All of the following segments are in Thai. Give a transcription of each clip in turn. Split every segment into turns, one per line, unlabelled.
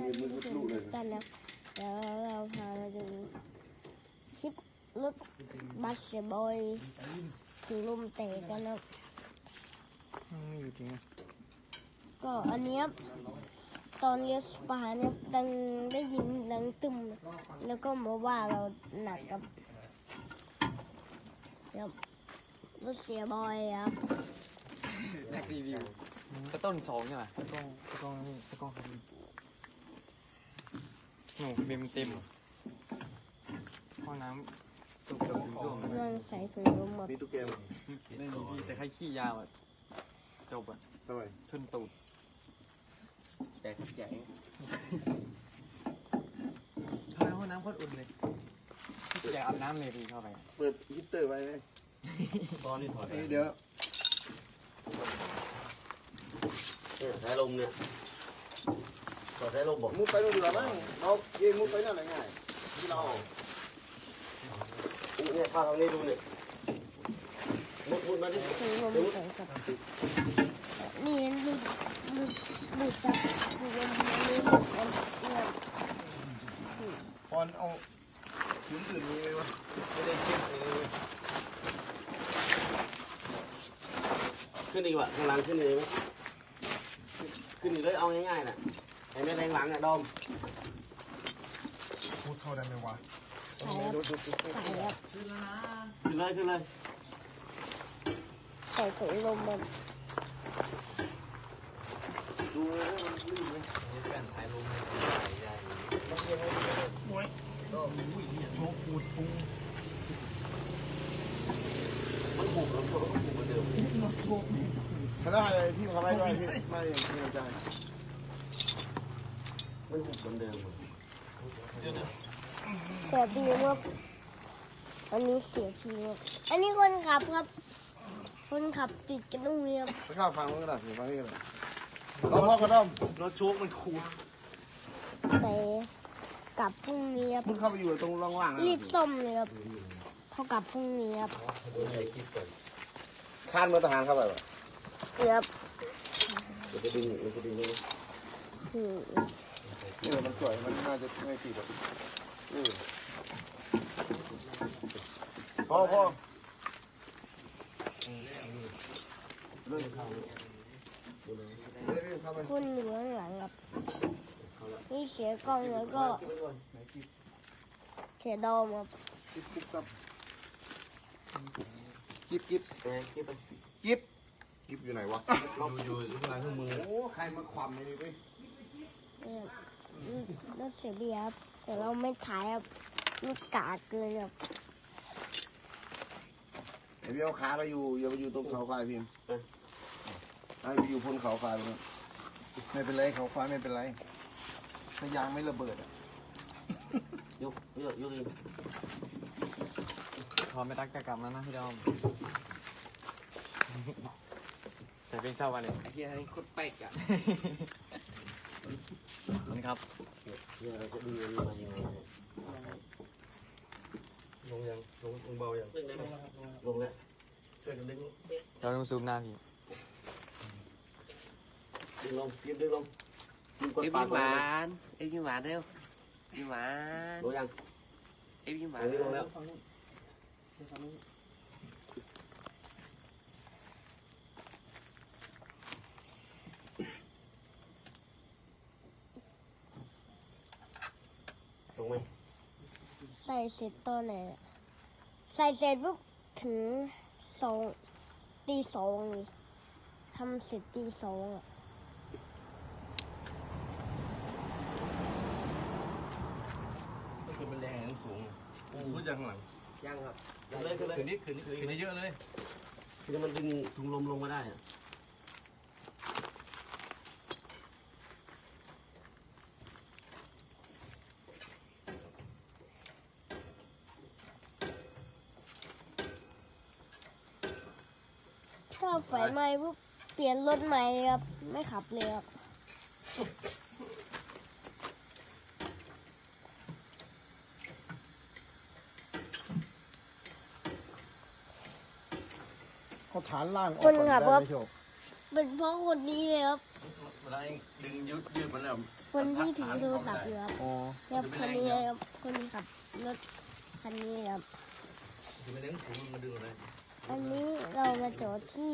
กันนะเดี๋ยวเราพามาดูคลิปรถบัสเสียบอยถึงลมเตะกันนะ
อยู่จริง
ก็อันนี้ตอนเลี้ยวขวาเนี่ยดังได้ยินดังตึมแล้วก็มาว่าเราหนักกับรถเสียบอยครับ
แท็กรีวิวกระต้น2ใช่ไหมกระต้นครับหนูเต็มห้องน้ำตุกถึงช่วง
กำลังใส่ถุงลมแบบ
มีตุ๊กแกไหม
ไม่มีพี่แต่ใครขี้ยาวอ่ะจบอ่ะ
ทำไม
ชนตูด
แต่ขับใหญ่
ทำไมห้องน้ำโคตรอุ่นเลยอยากอาบน้ำเลยดีเข้าไป
เปิดฮีตเตอร์ไว้ไหม
ตอนนี้ถอด
เดี๋ยว
สายลมเนี่ยถอดสายลมบอก
มุดไปนู่นดีกว่ามั้งเราเองมุดไปนั่นไหนง่ายที่เรา
เนี่ยข้างนี้ดูเนี่ยมุดมาดิ
ถุงลมใส่กับนี่ดูจับถุงลมนี่หลุดกันเนี่ย
พอนเอาถุงอื่นมีไหมวะไม่ได้เช็ด
ขึ้นดีกว่าข้างหลังขึ้นเลยไหมขึ้นอีกเลยเอาง่ายๆน่ะไอ้แม่แรงหลังอ่ะดอม
พูดเข้าได้ไหมวะ
ใส่ครับ
ขึ้นเลย
ใส่ถุงลมมัน
ดูมันลื่นไหม
นี่เป็นสายลมใหญ่
มวยก็อุ้ยเนี่ยโชว์ปูดปู
มันหุบแล้วมันหุบเหมือนเดิม
ถ้าได้พี่ทำให้ด้วยพี่ไม่ไม่ใจ
มันหุบเหมือนเดิม
แต่พี่ว่าอันนี้เสียพี่ว่าอันนี้คนขับครับคนขับติดกันตรงนี้ครับ
ไม่เข้าฟังมันก็ได้ฟังนี่ก็ได้เราพ่อกระด้อมรถโชคมันคู
ไปกลับพรุ่งนี้ครับ
มุดเข้าไปอยู่ตรงร่องว่าง
รีบส้มเลยครับเขากลับพรุ่งนี้ครับ
คานมือทหารเข้าไปป่ะ
ครับ
มันจะดึงเลย
มันสวยมันน่าจะไม่ติดหรอกพ่อ
คุณอยู่ข้างหลังครับนี่เสียกล้องแล้วก็เสียดอมครับ
กิ๊บอยู่ไหนวะ
อยู่ข้างหลังข้างมือ
โอ้ใครมาคว่ำเลยพี่
รถเสียเบียร์ครับแต่เราไม่ถ่ายครับลูกกาเกินครับ
ไอ้พี่เอาขาไปอยู่อย่าไปอยู่ตรงเขาไฟพิมพ์ให้ไปอยู่พ้นเขาไฟเลยไม่เป็นไรเขาไฟไม่เป็นไรถ้ายางไม่ระเบิด
ยกอีก
พอไม่รักจะกลับแล้วนะพี่ดอมแต่เป็นเศร้าวันเลย
ไอ้เหี้ยให้โคตรแป๊กอ่ะ
มันครับ
เนี่ยเราจะดูมายังไงลงยังลงเบายังลงแล้วช่วยกันดึง
เราต้องซูมหน้าพี่
ดึงลงเอ็มยิ้มหวานเร็วยิ้มหวานลงยังเอ็มยิ้มหวานลงแล้วตรงไหม
ใส่เสร็จตอนไหนใส่เสร็จปุ๊บถึงตี 2เลยทำเสร็จตี 2อ่ะ
คือมันแรงสูง
พูดจากข้างหลัง
ยังครับขึ้นได้เยอะเลยคือมันดึงถุงลมลงมาได้อะ
ถ้าไฟไหม้ปุ๊บเปลี่ยนรถใหม่ครับไม่ขับเลยครับ
เขาฐานล่าง
คนขับครับเป็นเพราะคนนี้เลยครับ
เวลาดึงยืดมันแล้ว
คคนที่ถือโทรศัพท์อยู่ครับ
อ๋อ
แล้วคนนี้ครับคนขับรถคันนี้ครับ
ไม่ได้ถุงมันดึงเลย
อันนี้เรามาจอดที่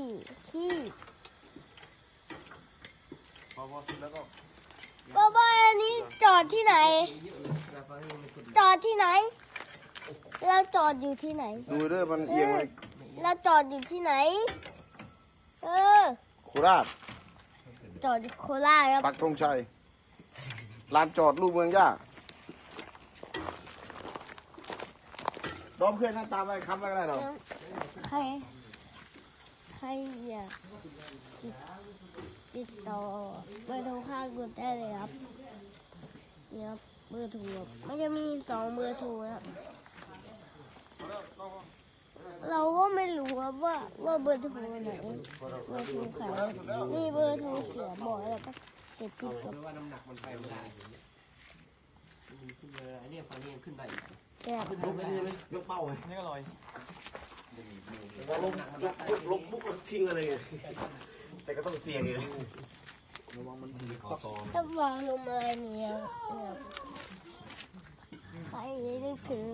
พอเสร็จแล้วก็
บ้าอันนี้จอดที่ไหน จอดที่ไหน เราจอดอยู่ที่ไหน
ดูเด้อมันเอียงเลย
เราจอดอยู่ที่ไหน
โคราช
จอดอยู่โคราชครับ
ปักธงชัยลานจอดลูกเมืองย่าดอมเคยหน้าตาไปคำอะไรก็ได้หรอ
ใครอยากติดต่อเบอร์โทรข้างกดได้เลยครับนี่ครับเบอร์โทรครับมันจะมี2 เบอร์โทรครับเราก็ไม่รู้ครับว่าเบอร์โทรไหนเบอร์โทรใครนี่เบอร์โทรเสียบ่อยแล้วก็เก็บติดกับ
ว่าน้ำหนักมันไปไม่ได้มันขึ้นเลยอันนี้ฟังนี้ขึ้นได้อีก
แก้ว
ยกไปนี่เลยยกเป้าไง
นี่ก็ลอย
พอลงปุ๊บก็ทิ้งอะไรไงแต่ก็ต้องเสี่ยงอยู่
ถ้าวางลงมาเนี่ยใครนึกถึง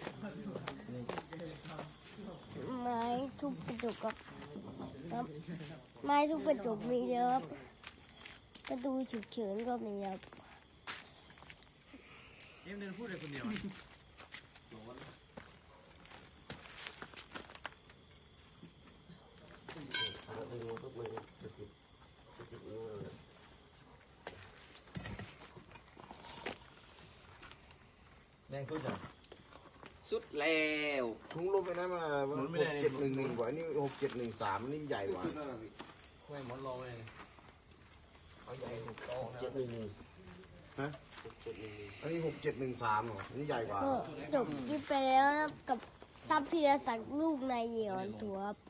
ไม้ทุบกระจกครับไม้ทุบกระจกมีเยอะครับประตูฉุกเฉินก็มีครับ
เอ็มเดินพูดเลยคนเดียว แรงขึ้นจัง
สุดแล้ว
ถุงลมไปนั้นมา6711กว่าอันนี้6713อันนี้ใหญ่กว่า
ไม่หมอนรองเลย
ฮะอันนี้6713เหรออันนี้ใหญ่กว่า
ก็จบคลิปไปแล้วครับกับซับพีรศักดิ์ลูกนายเหยียนถัวครับ